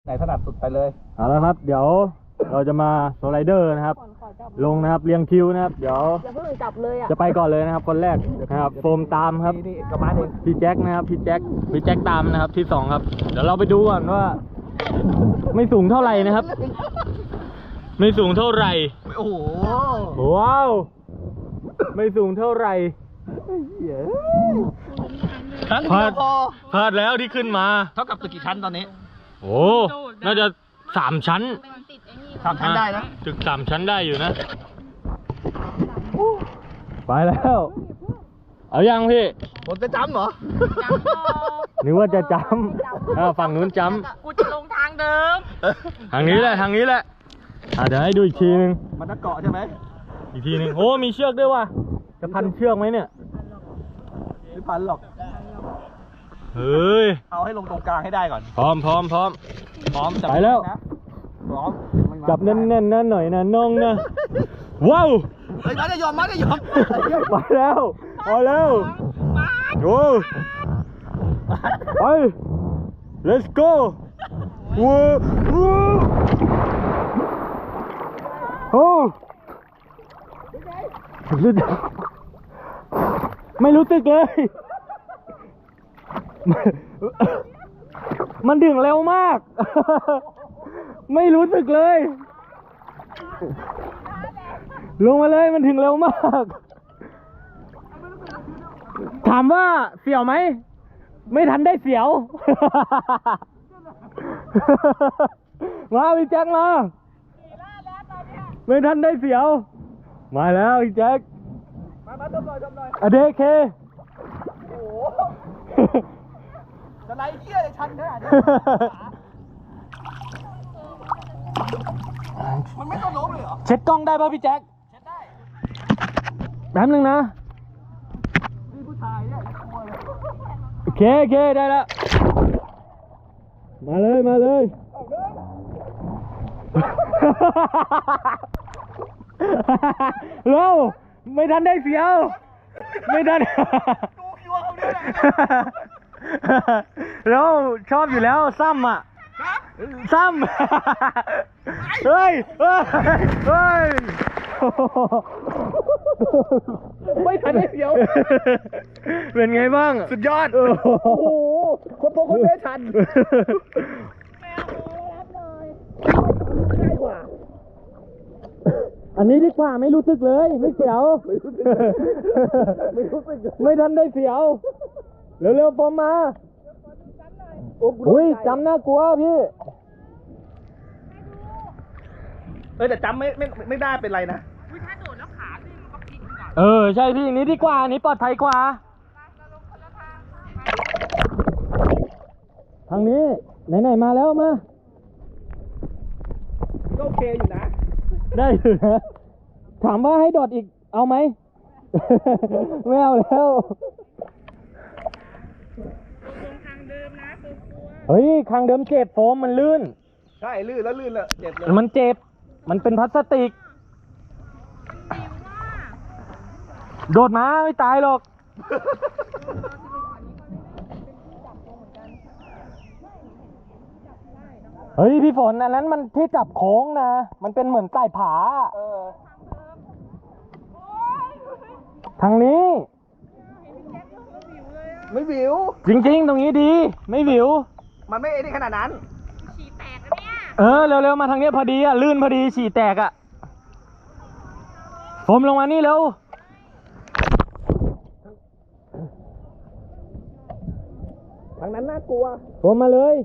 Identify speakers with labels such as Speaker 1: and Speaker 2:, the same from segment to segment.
Speaker 1: ไหนถนัดสุดไปเลย
Speaker 2: เอาละครับเดี๋ยวเราจะมาสไลเดอร์นะครับลงนะครับเรียงคิวนะครับเดี๋ยว
Speaker 3: อย่าเพิ่งจับเลยอ่ะ
Speaker 2: จะไปก่อนเลยนะครับคนแรกนะครับโฟมตามครับ
Speaker 1: นี่กระมาเอง
Speaker 2: พี่แจ็คนะครับพี่แจ็คตามนะครับที่2ครับเดี๋ยวเราไปดูก่อนว่าไม่สูงเท่าไหร่นะครับไม่สูงเท่าไหร่
Speaker 1: โอ้โห
Speaker 2: ว้าวไม่สูงเท่าไหร่พลาดแล้วที่ขึ้นมา
Speaker 1: เท่ากับตึกกี่ชั้นตอนนี้
Speaker 2: โอ้น่าจะ3 ชั้น
Speaker 1: 3 ชั้นได้นะ
Speaker 2: ตึก3 ชั้นได้อยู่นะไปแล้วเอายังพี่
Speaker 1: ผมจะจำเหรอ
Speaker 2: นึกว่าจะจำฝั่งนู้นจ
Speaker 3: ำกูจะลงทางเดิม
Speaker 2: ทางนี้แหละเดี๋ยวให้ดูอีกทีนึง
Speaker 1: มันจะเกาะใช่ไหม
Speaker 2: อีกทีนึงโอ้มีเชือกด้วยว่ะจะพันเชือกไหมเนี่ย
Speaker 1: ไม่พันหรอก
Speaker 2: เฮ้ย
Speaker 1: เอาให้ลงตรงกลางให้ได้ก่อน
Speaker 2: พร้อม
Speaker 1: จับ
Speaker 2: ไปแล้ว
Speaker 1: พร้อม
Speaker 2: จับแน่นๆนะหน่อยนะน้องนะว้าว
Speaker 1: เฮ้ยมาได้ยอม
Speaker 2: ไปแล้วเอาแล้วโอ้ไป let's go ว้าวโอ้ไม่รู้สึกเลยมันดึงเร็วมากไม่รู้สึกเลยลงมาเลยมันถึงเร็วมากถามว่าเสียวไหมไม่ทันได้เสียวมาพี่แจ็คมาไม่ทันได้เสียวมาแล้วพี่แจ็ค
Speaker 1: มาดมหน่อย
Speaker 2: อเดเค
Speaker 1: โอ้โหจะไล่เหี้ยเลยชันขนาดนี้มันไม่ต้องล้มเลยเหรอ
Speaker 2: เช็ดกล้องได้ป่ะพี่แจ็ค
Speaker 1: เช็ดได้
Speaker 2: แป๊บนึงนะ
Speaker 1: นี่ผู้ชายเนี่ยกลัวเลย
Speaker 2: โอเคได้แล้วมาเลยแล้วไม่ทันได้เสียวไม่ทัน
Speaker 1: ดูคิวเขาเนี่ย
Speaker 2: แล้วชอบอยู่แล้วซ้ำอ่ะซ้ำเฮ้ย
Speaker 1: ไม่ทันได้เสียว
Speaker 2: เป็นไงบ้าง
Speaker 1: สุดยอดโอ้โหคนโตคนแม่ชัน
Speaker 2: อันนี้ดีกว่าไม่รู้สึกเลยไม่เสียวไม่ทันได้เสียวเร็วๆผมมาอุ้ยจำน่ากลัวพี่
Speaker 1: แต่จำไม่ได้เป็นไรนะ
Speaker 3: ถ้าโดดแล้วขาดึงก็พลิกก่
Speaker 2: อนใช่พี่นี้ดีกว่านี้ปลอดภัยกว่าทางนี้ไหนมาแล้วมา
Speaker 1: ก็โอเคอยู่นะ
Speaker 2: ได้อยู่นะถามว่าให้โดดอีกเอาไหมไม่เอาแล้ว
Speaker 3: ทางเดิมนะ
Speaker 2: เฮ้ยทางเดิมเจ็บโฟมมันลื่น
Speaker 1: ใช่ลื่นแล้วเจ็บเลย
Speaker 2: มันเจ็บมันเป็นพลาสติกโดดมาไม่ตายหรอกเฮ้ยพี่ฝนอันนั้นมันที่จับโค้งนะมันเป็นเหมือนใต้ผาทางนี้
Speaker 1: ไม่วิว
Speaker 2: จริงๆตรงนี้ดีไม่วิว
Speaker 1: มันไม่ได้ขนาดนั้น
Speaker 3: ฉี่แตกเนี่ย
Speaker 2: เร็วๆมาทางนี้พอดีลื่นพอดีฉี่แตกผมลงมานี่เร็ว
Speaker 1: ทางนั้นน่ากลัว
Speaker 2: ผมมาเลย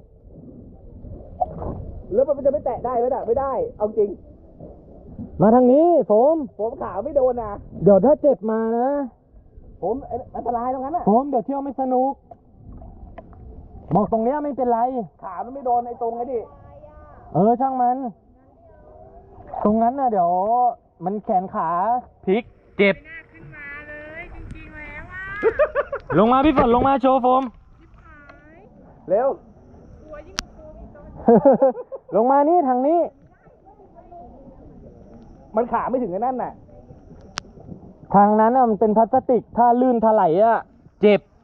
Speaker 1: แล้วมันจะไม่แตะได้ไหมล่ะไม่ได้เอาจริง
Speaker 2: มาทางนี้ผม
Speaker 1: ขาไม่โดนนะ
Speaker 2: เดี๋ยวถ้าเจ็บมานะ
Speaker 1: ผมอันตรายตรงนั้นน่ะ
Speaker 2: ผมเดี๋ยวเที่ยวไม่สนุกบอกตรงนี้ไม่เป็นไร
Speaker 1: ขามันไม่โดนไอ้ตรงไอ้ดิ
Speaker 2: ช่างมันตรงนั้นนะเดี๋ยวมันแขนขาพลิกเจ็บ
Speaker 3: ขึ้นมาเลยจริงๆแล้ว
Speaker 2: ลงมาพี่ฝนลงมาโชว์โฟม
Speaker 1: เร็ว
Speaker 2: ลงมานี่ทางนี้
Speaker 1: มันขาไม่ถึงไอ้นั่นน่ะ
Speaker 2: ทางนั้นมันเป็นพลาสติกถ้าลื่นถลายเจ็บ